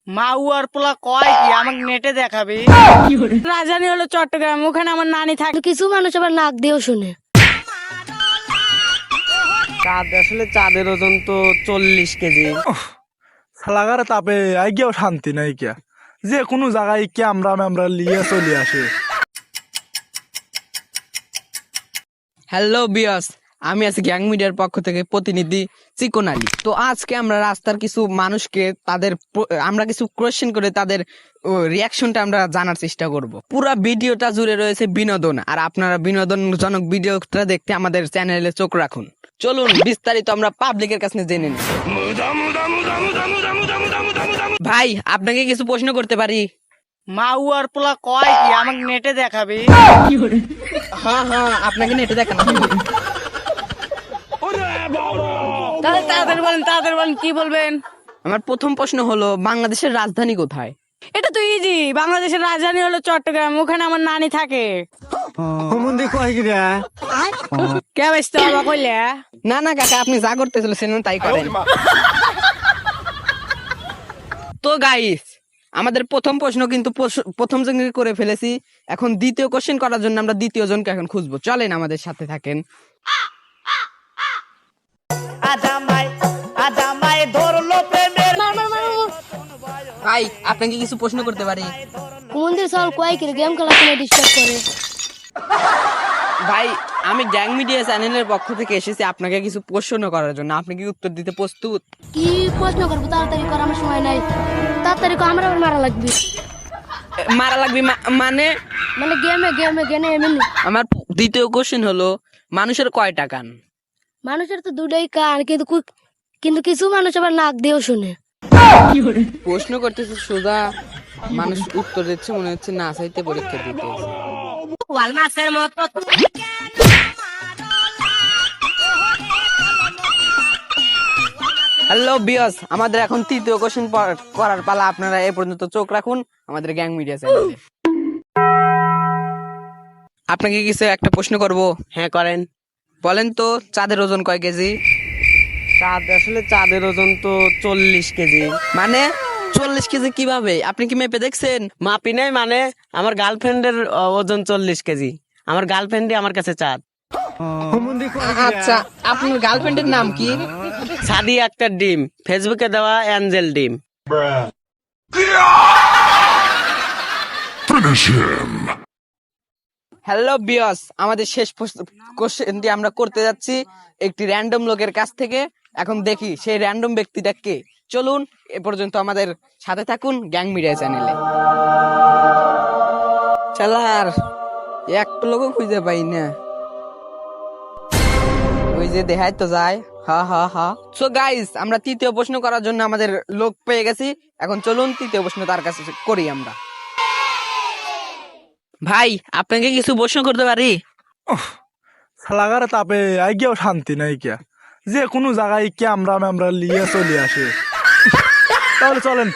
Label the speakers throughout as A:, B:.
A: মাউয়ার পোলা কয় কি আমাকে নেটে দেখাবে। রাজধানী হলো চট্টগ্রাম, ওখানে আমার নানি থাকে।
B: কিছু মানুষ আবার নাক দিয়েও শুনে।
C: চাঁদ আসলে চাঁদের ওজন তো 40 কেজি।
D: সালাগার তাপে আই গিয়েও শান্তি নাই কিয়া, যে কোনো জায়গায় ক্যামরা ম্যামরা লিয়ে চলে আসে।
E: হ্যালো বিয়স, আমি আছি গ্যাং মিডিয়ার পক্ষ থেকে প্রতিনিধি চিকন আলী। তো আজকে আমরা রাস্তার কিছু মানুষকে আমরা কিছু কোয়েশ্চেন করে তাদের রিয়াকশনটা আমরা জানার চেষ্টা করব। পুরো ভিডিওটা জুড়ে রয়েছে বিনোদন, আর আপনারা বিনোদনজনক ভিডিওটা দেখতে আমাদের চ্যানেলে চোখ রাখুন। চলুন বিস্তারিত আমরা পাবলিকের কাছে জেনে নিই। ভাই, আপনাকে কিছু প্রশ্ন করতে পারি?
A: মাউয়ার পোলা কয় কি আমাকে নেটে দেখাবে।
E: হ্যাঁ হ্যাঁ, আপনাকে নেটে দেখানো হবে।
A: তাহলে তাড়াতাড়ি বলেন কি বলবেন।
E: আমার প্রথম প্রশ্ন হলো, বাংলাদেশের রাজধানী কোথায়?
A: এটা তো ইজি, বাংলাদেশের রাজধানী হলো চট্টগ্রাম, ওখানে আমার নানি থাকে। কে বেসতে বাবা কইলে?
E: না না কাকা, আপনি যা করতে চলেছেন তাই করেন। তো গাইস, আমাদের প্রথম প্রশ্ন কিন্তু প্রথম জনকে করে ফেলেছি। এখন দ্বিতীয় কোশ্চেন করার জন্য আমরা দ্বিতীয় জনকে এখন খুঁজবো। চলেন আমাদের সাথে থাকেন। ভাই, আপনাকে কিছু প্রশ্ন করতে পারি?
B: মন্দির সল কয় কি গেম খেলা শুনে ডিস্টার্ব করে।
E: ভাই, আমি গ্যাং মিডিয়া চ্যানেলের পক্ষ থেকে এসেছি আপনাকে কিছু প্রশ্ন করার জন্য। আপনি কি উত্তর দিতে প্রস্তুত?
B: কি প্রশ্ন করবো? তাড়াতাড়ি কর, আমার সময় নাই। তাড়াতাড়ি কর, আমার আবার মারা লাগবে।
E: মারা লাগবে মানে?
B: মানে গেমে এমনি।
E: আমার দ্বিতীয় কোশ্চেন হলো, মানুষের কয়টা কান?
B: মানুষের তো দুটাই কান, কিন্তু কিছু মানুষ আবার নাক দিয়েও শুনে।
E: প্রশ্ন করতেছে সোজা, মানুষ উত্তর দিচ্ছে মনে হচ্ছে না চাইতে পরীক্ষা দিতে। হ্যালো বিয়স, আমাদের এখন তৃতীয় কোশ্চেন করার পালা। আপনারা এ পর্যন্ত চোখ রাখুন আমাদের গ্যাং মিডিয়া চ্যানেলে। আপনাকে কিছু একটা প্রশ্ন করব।
C: হ্যাঁ করেন।
E: বলেন তো, চাঁদের ওজন কয় কেজি?
C: চাঁদ আসলে চাঁদের ওজন তো 40 কেজি।
E: মানে 40 কেজি কিভাবে? আপনি কি মেপে দেখছেন?
C: মাপি নাই, মানে আমার গার্লফ্রেন্ডের ওজন 40 কেজি। আমার গার্লফ্রেন্ডই আমার কাছে চাঁদ।
E: আচ্ছা, আপনার গার্লফ্রেন্ডের নাম কি?
C: সাদি একটা ডিম, ফেসবুকে দেওয়া অ্যাঞ্জেল ডিম।
E: হ্যালো বিয়স, আমাদের শেষ কোশ্চেনটি আমরা করতে যাচ্ছি একটি র্যান্ডম লোকের কাছ থেকে। এখন দেখি সেই র্যান্ডম ব্যক্তিটা কে। চলুন এ পর্যন্ত আমাদের সাথে থাকুন গ্যাং মিডিয়া চ্যানেলে। চালার একটা লোকও খুঁজে পাই না, ওই যে দেখাই তো যায়। হা হা হা। সো গাইস, আমরা তৃতীয় প্রশ্ন করার জন্য আমাদের লোক পেয়ে গেছি। এখন চলুন তৃতীয় প্রশ্ন তার কাছে করি আমরা। ভাই, আপনাকে কিছু প্রশ্ন করতে পারি?
D: সালাগার তাপে আই গিয়েও শান্তি নাই কিয়া, যে কোনো জায়গায় ক্যামরা ম্যামরা লিয়ে চলে আসে। তাহলে চলেন।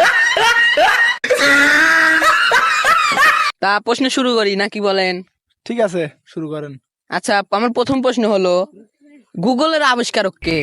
E: তা প্রশ্ন শুরু করি নাকি বলেন?
D: ঠিক আছে, শুরু করেন।
E: আচ্ছা, আমার প্রথম প্রশ্ন হলো, গুগলের আবিষ্কারক কে?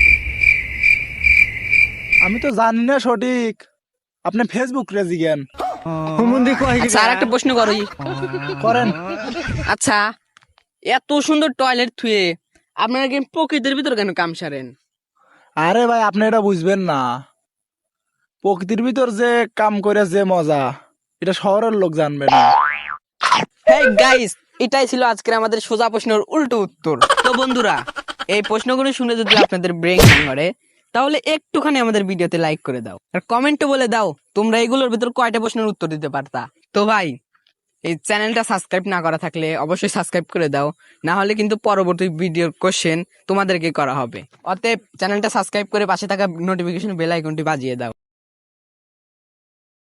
D: আমি তো জানি না সঠিক, আপনি ফেসবুক রে জিজ্ঞেন।
E: আচ্ছা, আর একটা প্রশ্ন করি।
D: করেন।
E: আচ্ছা, এত সুন্দর টয়লেট থুয়ে আপনারা কি প্রকৃতির ভিতর কেন কাম সারেন?
D: আরে ভাই, আপনি এটা বুঝবেন না, প্রকৃতির ভিতর যে কাম করে যে মজা, এটা শহরের লোক জানবে না।
E: হেই গাইস, এটাই ছিল আজকের আমাদের সোজা প্রশ্নের উল্টো উত্তর। তো বন্ধুরা, এই প্রশ্নগুলো শুনে যদি আপনাদের ব্রেন করে, তাহলে একটুখানি আমাদের ভিডিওতে লাইক করে দাও, আর কমেন্টে বলে দাও তোমরা এগুলোর ভিতর কয়টা প্রশ্নের উত্তর দিতে পারতা। তো ভাই, এই চ্যানেলটা সাবস্ক্রাইব না করা থাকলে অবশ্যই সাবস্ক্রাইব করে দাও, না হলে কিন্তু পরবর্তী ভিডিওর কোশ্চেন তোমাদেরকে করা হবে। অতএব চ্যানেলটা সাবস্ক্রাইব করে পাশে থাকা নোটিফিকেশন বেল আইকনটি বাজিয়ে দাও।